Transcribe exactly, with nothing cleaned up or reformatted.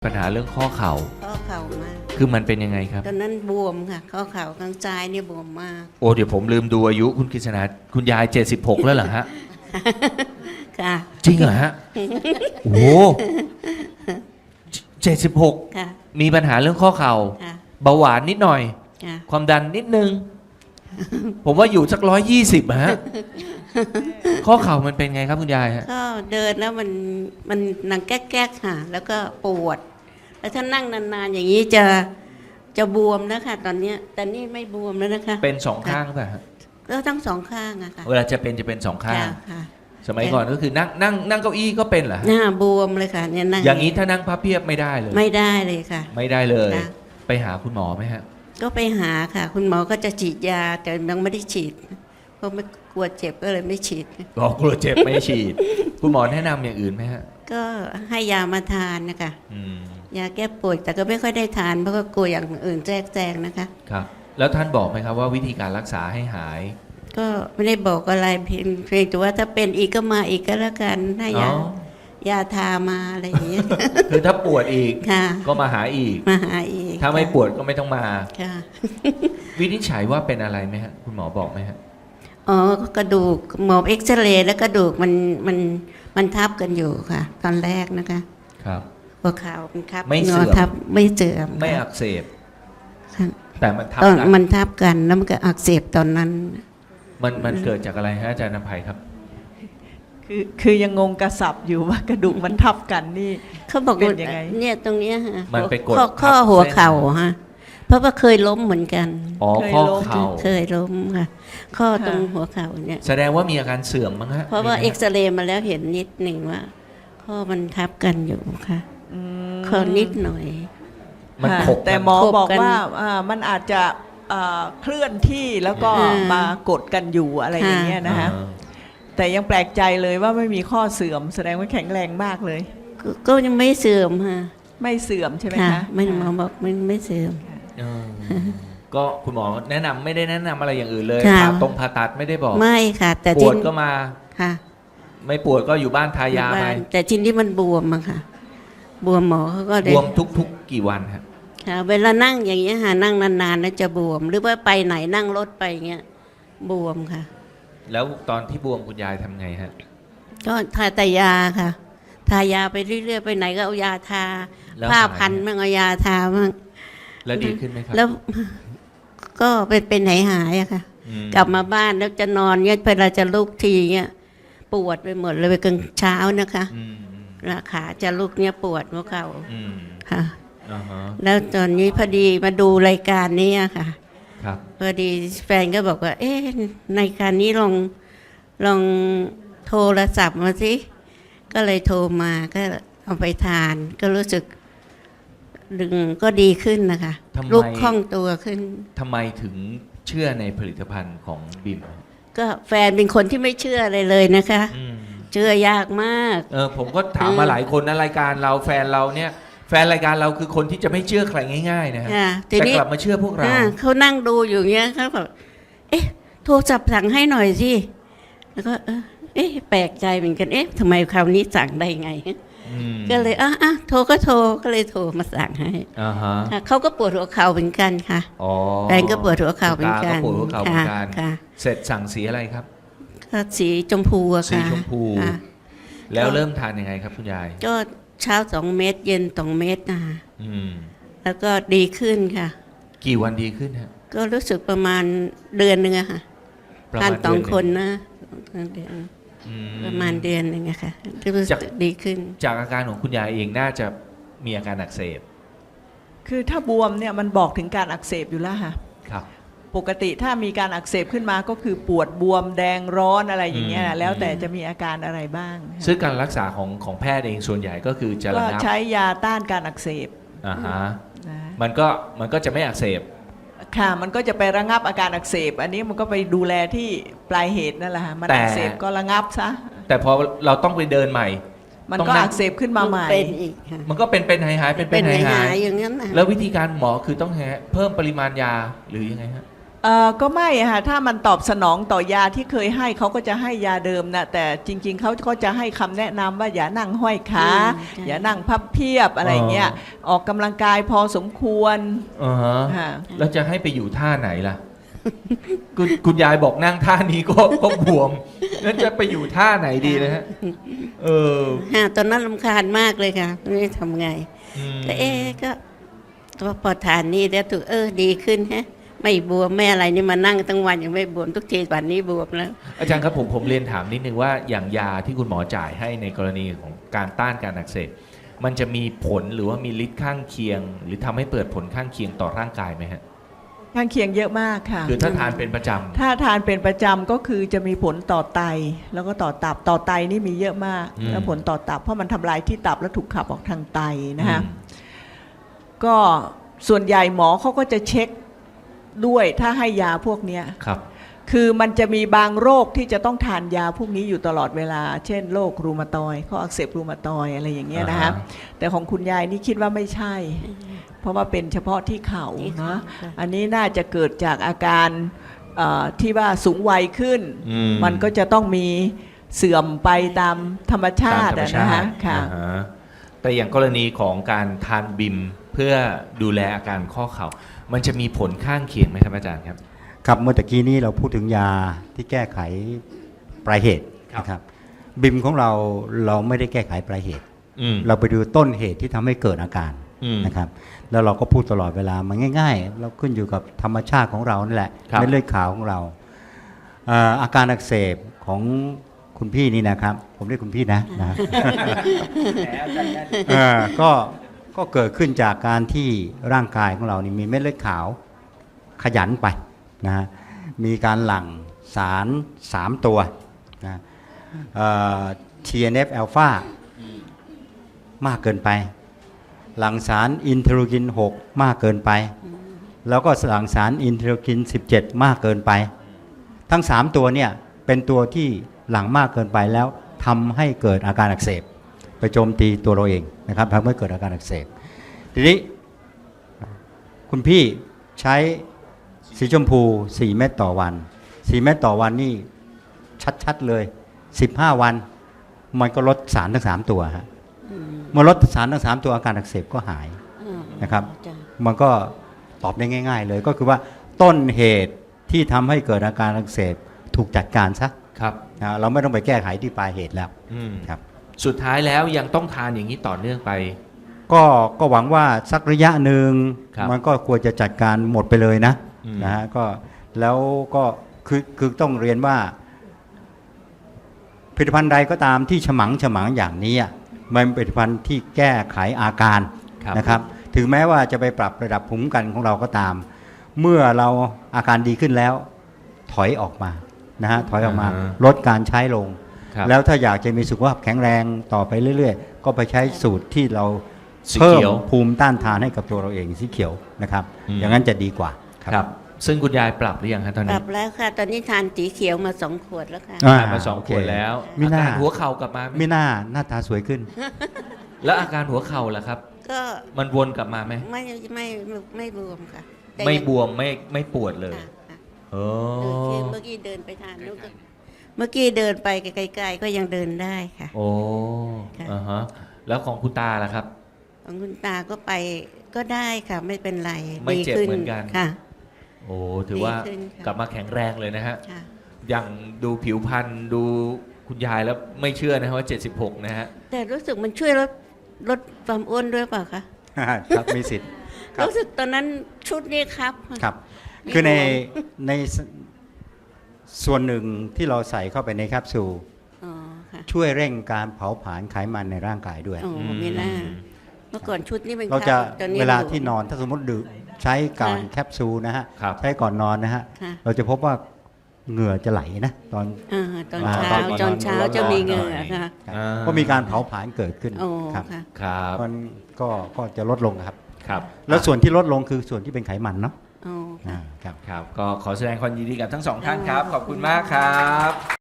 ปัญหาเรื่องข้อเข่าข้อเข่ามากคือมันเป็นยังไงครับตอนนั้นบวมค่ะข้อเข่าข้างซ้ายเนี่ยบวมมากโอ้เดี๋ยวผมลืมดูอายุคุณกฤษณาคุณยายเจ็ดสิบหกแล้วเหรอฮะค่ะจริงเหรอฮะโอ้เจ็ดสิบหกค่ะมีปัญหาเรื่องข้อเข่าค่ะเบาหวานนิดหน่อยค่ะความดันนิดนึงผมว่าอยู่สักร้อยยี่สิบฮะข้อเข่ามันเป็นไงครับคุณยายฮะก็เดินแล้วมันมันหนังแก๊กๆค่ะแล้วก็ปวดแล้วถ้านั่งนานๆอย่างนี้จะจะบวมนะคะตอนเนี้ยแต่นี่ไม่บวมแล้วนะคะเป็นสองข้างป่ะฮะก็ทั้งสองข้างอะค่ะเวลาจะเป็นจะเป็นสองข้างค่ะสมัยก่อนก็คือนั่งนั่งนั่งเก้าอี้ก็เป็นเหรอหน้าบวมเลยค่ะเนี่ยนั่งอย่างนี้ถ้านั่งพับเพียบไม่ได้เลยไม่ได้เลยค่ะไม่ได้เลยไปหาคุณหมอไหมฮะก็ไปหาค่ะคุณหมอก็จะฉีดยาแต่ยังไม่ได้ฉีดเพราะไม่กลัวเจ็บก็เลยไม่ฉีดอ๋อกลัวเจ็บไม่ฉีดคุณหมอแนะนำอย่างอื่นไหมฮะก็ให้ยามาทานนะคะยาแก้ปวดแต่ก็ไม่ค่อยได้ทานเพราะก็กลัวอย่างอื่นแทรกแซงนะคะครับแล้วท่านบอกไหมครับว่าวิธีการรักษาให้หายก็ไม่ได้บอกอะไรเพียงเพียงแต่ว่าถ้าเป็นอีกก็มาอีกก็แล้วกันให้ยายาทามาอะไรอย่างเงี้ยคือถ้าปวดอีกก็มาหาอีกมาหาอีกถ้าไม่ปวดก็ไม่ต้องมาค่ะวินิจฉัยว่าเป็นอะไรไหมฮะคุณหมอบอกไหมฮะอ๋อกระดูกหมอเอ็กซเรย์แล้วกระดูกมันมันมันทับกันอยู่ค่ะตอนแรกนะคะครับหัวเข่ามันทับไม่เสื่อมทับไม่เสื่อมไม่อักเสบแต่มันทับกันมันทับกันแล้วมันก็อักเสบตอนนั้นมันมันเกิดจากอะไรฮะอาจารย์นภัยครับคือคือยังงงกระสับอยู่ว่ากระดูกมันทับกันนี่เขาบอกว่าเนี่ยตรงนี้ฮะมันไปกดข้อหัวเข่าฮะเพราะว่าเคยล้มเหมือนกันอ๋อข้อเข่าเคยล้มค่ะข้อตรงหัวเข่าเนี่ยแสดงว่ามีอาการเสื่อมมั้งฮะเพราะว่าเอ็กซเรย์มาแล้วเห็นนิดหนึ่งว่าข้อมันทับกันอยู่ค่ะข้อนิดหน่อยมันขบแต่หมอบอกว่ามันอาจจะเคลื่อนที่แล้วก็มากดกันอยู่อะไรอย่างเงี้ยนะคะแต่ยังแปลกใจเลยว่าไม่มีข้อเสื่อมแสดงว่าแข็งแรงมากเลยก็ยังไม่เสื่อมค่ะไม่เสื่อมใช่ไหมคะไม่หมอบอกไม่ไม่เสื่อมก็คุณหมอแนะนำไม่ได้แนะนำอะไรอย่างอื่นเลยผ่าตรงผ่าตัดไม่ได้บอกไม่ค่ะแต่ปวดก็มาค่ะไม่ปวดก็อยู่บ้านทายาไปแต่ทีนี้มันบวมอะค่ะบวมหมอเขาก็บวมทุกๆกี่วันครับค่ะเวลานั่งอย่างเงี้ยค่ะนั่งนานๆแล้วจะบวมหรือว่าไปไหนนั่งรถไปเงี้ยบวมค่ะแล้วตอนที่บวมคุณยายทำไงฮะก็ทาแต่ยาค่ะทายาไปเรื่อยๆไปไหนก็เอายาทาผ้าพันมั่งเอายาทามั่งแล้วดีขึ้นไหมครับแล้วก็เป็นเป็นหายหายอะค่ะกลับมาบ้านแล้วจะนอนเงี้ยเวลาจะลุกทีเงี้ยปวดไปหมดเลยไปกลางเช้านะคะขาจะลุกเนี้ยปวดหัวเข่าค่ะแล้วตอนนี้พอดีมาดูรายการนี้ค่ะพอดีแฟนก็บอกว่าเอ๊ะในการนี้ลองลองโทรศัพท์มาสิก็เลยโทรมาก็เอาไปทานก็รู้สึกดึงก็ดีขึ้นนะคะลุกคล่องตัวขึ้นทำไมถึงเชื่อในผลิตภัณฑ์ของบิมก็แฟนเป็นคนที่ไม่เชื่ออะไรเลยนะคะเชื่อยากมากเออผมก็ถามมาหลายคนนะรายการเราแฟนเราเนี่ยแฟนรายการเราคือคนที่จะไม่เชื่อใครง่ายๆนะฮะแต่กลับมาเชื่อพวกเราเขานั่งดูอยู่เงี้ยเขาแบบเอ๊ะโทรศัพท์สั่งให้หน่อยสิแล้วก็เออเอ๊ะแปลกใจเหมือนกันเอ๊ะทำไมคราวนี้สั่งได้ไงก็เลยอ่ะอ่ะโทรก็โทรก็เลยโทรมาสั่งให้เขาก็ปวดหัวเข่าเหมือนกันค่ะแฟนก็ปวดหัวเข่าเหมือนกันปวดหัวเข่าเหมือนกันเสร็จสั่งสีอะไรครับสีชมพูอะค่ะสีชมพูแล้วเริ่มทานยังไงครับคุณยายก็เช้าสองเม็ดเย็นสองเม็ดนะคะแล้วก็ดีขึ้นค่ะกี่วันดีขึ้นฮะก็รู้สึกประมาณเดือนหนึ่งอะค่ะทานสองคนนะเดือนประมาณเดือนหนึ่งอะค่ะรู้สึกดีขึ้นจากอาการของคุณยายเองน่าจะมีอาการอักเสบคือถ้าบวมเนี่ยมันบอกถึงการอักเสบอยู่แล้วค่ะครับปกติถ้ามีการอักเสบขึ้นมาก็คือปวดบวมแดงร้อนอะไรอย่างเงี้ยแล้วแต่จะมีอาการอะไรบ้างซึ่งการรักษาของของแพทย์เองส่วนใหญ่ก็คือจะระงับก็ใช้ยาต้านการอักเสบอ่าฮะมันก็มันก็จะไม่อักเสบค่ะมันก็จะไประงับอาการอักเสบอันนี้มันก็ไปดูแลที่ปลายเหตุนั่นแหละค่ะมันอักเสบก็ระงับซะแต่พอเราต้องไปเดินใหม่มันก็อักเสบขึ้นมาใหม่มันก็เป็นเป็นหายหายเป็นเป็นหายหายอย่างนั้นแล้ววิธีการหมอคือต้องเพิ่มปริมาณยาหรือยังไงฮะเอ่อก็ไม่อะค่ะถ้ามันตอบสนองต่อยาที่เคยให้เขาก็จะให้ยาเดิมนะแต่จริง ๆเขาก็จะให้คำแนะนำว่าอย่านั่งห้อยขาอืมใช่อย่านั่งพับเพียบอะไรเงี้ยออกกำลังกายพอสมควรอ่าฮะค่ะแล้วจะให้ไปอยู่ท่าไหนล่ะ คุณคุณยายบอกนั่งท่านี้ก็ก็บวมแล้วจะไปอยู่ท่าไหนดีนะฮะเออฮะตอนนั้นรำคาญมากเลยค่ะไม่รู้จะทำไงอืมก็เอ๊ะก็ตัวพอทานนี่แล้วถูกเออดีขึ้นฮะไม่บวมไม่อะไรนี่มานั่งทั้งวันยังไม่บวมทุกทีวันนี้บวมแล้วอาจารย์ครับผมผมเรียนถามนิดนึงว่าอย่างยาที่คุณหมอจ่ายให้ในกรณีของการต้านการอักเสบมันจะมีผลหรือว่ามีฤทธิ์ข้างเคียง หรือทำให้เปิดผลข้างเคียงต่อร่างกายไหมฮะข้างเคียงเยอะมากค่ะคือถ้าทานเป็นประจำถ้าทานเป็นประจำก็คือจะมีผลต่อไต แล้วก็ต่อตับต่อไตนี่มีเยอะมากอืมแล้วผลต่อตับเพราะมันทำลายที่ตับแล้วถูกขับออกทางไตนะฮะอืมก็ส่วนใหญ่หมอเขาก็จะเช็คด้วยถ้าให้ยาพวกเนี้ยครับคือมันจะมีบางโรคที่จะต้องทานยาพวกนี้อยู่ตลอดเวลา เช่นโรครูมาตอยด์ข้ออักเสบรูมาตอยด์อะไรอย่างเงี้ยนะฮะอ่าฮะแต่ของคุณยายนี่คิดว่าไม่ใช่ เพราะว่าเป็นเฉพาะที่เข่าที่เข่านะค่ะอันนี้น่าจะเกิดจากอาการเอ่อที่ว่าสูงวัยขึ้นอืมันก็จะต้องมีเสื่อมไปตามธรรมชาตามติธรรมอะชานะฮะติค่ะอ่าฮะแต่อย่างกรณีของการทานบิมเพื่อดูแลอาการข้อเข่า มันจะมีผลข้างเคียงไหมครับอาจารย์ครับครับเมื่อตะกี้นี้เราพูดถึงยาที่แก้ไขปลายเหตุครับนะครับบิมของเราเราไม่ได้แก้ไขปลายเหตุอืมเราไปดูต้นเหตุที่ทำให้เกิดอาการอืมนะครับแล้วเราก็พูดตลอดเวลามันง่าย ๆ เราขึ้นอยู่กับธรรมชาติของเรานั่นแหละครับเม็ดเลือดขาวของเราเอ่ออาการอักเสบของคุณพี่นี่นะครับ ผมเรียกคุณพี่นะนะ เอ่อก็ก็เกิดขึ้นจากการที่ร่างกายของเรานี่มีเม็ดเลือดขาวขยันไปนะฮะมีการหลั่งสารสามตัวนะเอ่อ ที เอ็น เอฟ อลฟามากเกินไป หลั่งสารอินเทอร์กิน หก มากเกินไป แล้วก็หลั่งสารอินเทอร์กิน สิบเจ็ด มากเกินไป ทั้งสามตัวเนี่ยเป็นตัวที่หลั่งมากเกินไปแล้วทำให้เกิดอาการอักเสบไปโจมตีตัวเราเองนะครับทำให้เกิดอาการอักเสบทีนี้คุณพี่ใช้สีชมพูสี่เม็ดต่อวันสี่เม็ดต่อวันนี่ชัดๆเลยสิบห้าวันมันก็ลดสารทั้งสามตัวฮะอืมเมื่อลดสารทั้งสามตัวอาการอักเสบก็หายอืมนะครับจ้ะมันก็ตอบได้ง่าย ๆ เลยก็คือว่าต้นเหตุที่ทำให้เกิดอาการอักเสบถูกจัดการซะครับนะเราไม่ต้องไปแก้ไขที่ปลายเหตุแล้วอืมครับสุดท้ายแล้วยังต้องทานอย่างนี้ต่อเนื่องไปก็ก็หวังว่าสักระยะหนึ่งครับมันก็ควรจะจัดการหมดไปเลยนะอืมนะฮะก็แล้วก็คือคือต้องเรียนว่าผลิตภัณฑ์ใดก็ตามที่ฉมังฉมังอย่างนี้อะมันเป็นผลิตภัณฑ์ที่แก้ไขอาการครับนะครับถึงแม้ว่าจะไปปรับระดับภูมิคุ้มกันของเราก็ตาม เมื่อเราอาการดีขึ้นแล้ว ถอยออกมานะฮะถอยออกมาอ่าฮะลดการใช้ลงครับแล้วถ้าอยากจะมีสุขภาพแข็งแรงต่อไปเรื่อยๆ ก็ไปใช้สูตรที่เราสีเพิ่มเขียวภูมิต้านทานให้กับตัวเราเองสีเขียวนะครับอืมอย่างนั้นจะดีกว่าครับ ซึ่งคุณยายปรับหรือยังครับตอนปนี้รับแล้วค่ะ ตอนนี้ทานสีเขียวมาสองขวดแล้วค่ะอ่าทานมาสองโอขเควดแล้วไม่อาน่าการหัวเข่ากลับมาไหมไม่น่าหน้าตาสวยขึ้นแล้วอาการหัวเข่าล่ะครับก็มันวนกลับมาไหมไม่ไม่ไม่ไม่บวมค่ะแต่ไม่ยังบวมไม่ไม่ปวดเลยค่ะค่ะโอ้เออคือเมื่อกี้เดินไปทานนู้นก็เมื่อกี้เดินไปไกลๆก็ยังเดินได้ค่ะโอ้ค่ะอ่าฮะแล้วของคุณตาล่ะครับของคุณตาก็ไปก็ได้ค่ะ ไม่เป็นไรไม่เจ็บดีขึ้เหมือนกันค่ะโอ้ถือว่าดีขึ้นค่ะกลับมาแข็งแรงเลยนะฮะค่ะอย่างดูผิวพรรณดูคุณยายแล้วไม่เชื่อนะว่าเจ็ดสิบหกนะฮะแต่รู้สึกมันช่วยลดลดความอ้วนด้วยเปล่าคะครับมีสิทธิ์ ครับรู้สึกตอนนั้นชุดนี้ครับครับมีคือในบวมในสส่วนหนึ่งที่เราใส่เข้าไปในแคปซูลอ๋อค่ะช่วยเร่งการเผาผลาญไขมันในร่างกายด้วยโอ้ไม่น่าเมื่อก่อนชุดนี้เป็นเราจะครับตอนนี้เวลาอยู่ที่นอนถ้าสมมติดื่มใช้ก่อนค่ะแคปซูลนะฮะครับใช้ก่อนนอนนะฮะค่ะเราจะพบว่าเหงื่อจะไหลนะตอนอ่าตอนอ่าเช้าตอนตอนเช้าร้อนๆจะมีหเหน่งื่อยอค่ะครับอ่าก็มีการเผาผลาญเกิดขึ้นโอ้ครับค่ะครับมันก็ก็จะลดลงครับครับแล้วส่วนที่ลดลงคือส่วนที่เป็นไขมันเนาะโอ้ค่ะอ่าครับครับ ก็ขอแสดงความยินดีกับทั้งสองท่านครับ ขอบคุณมากครับ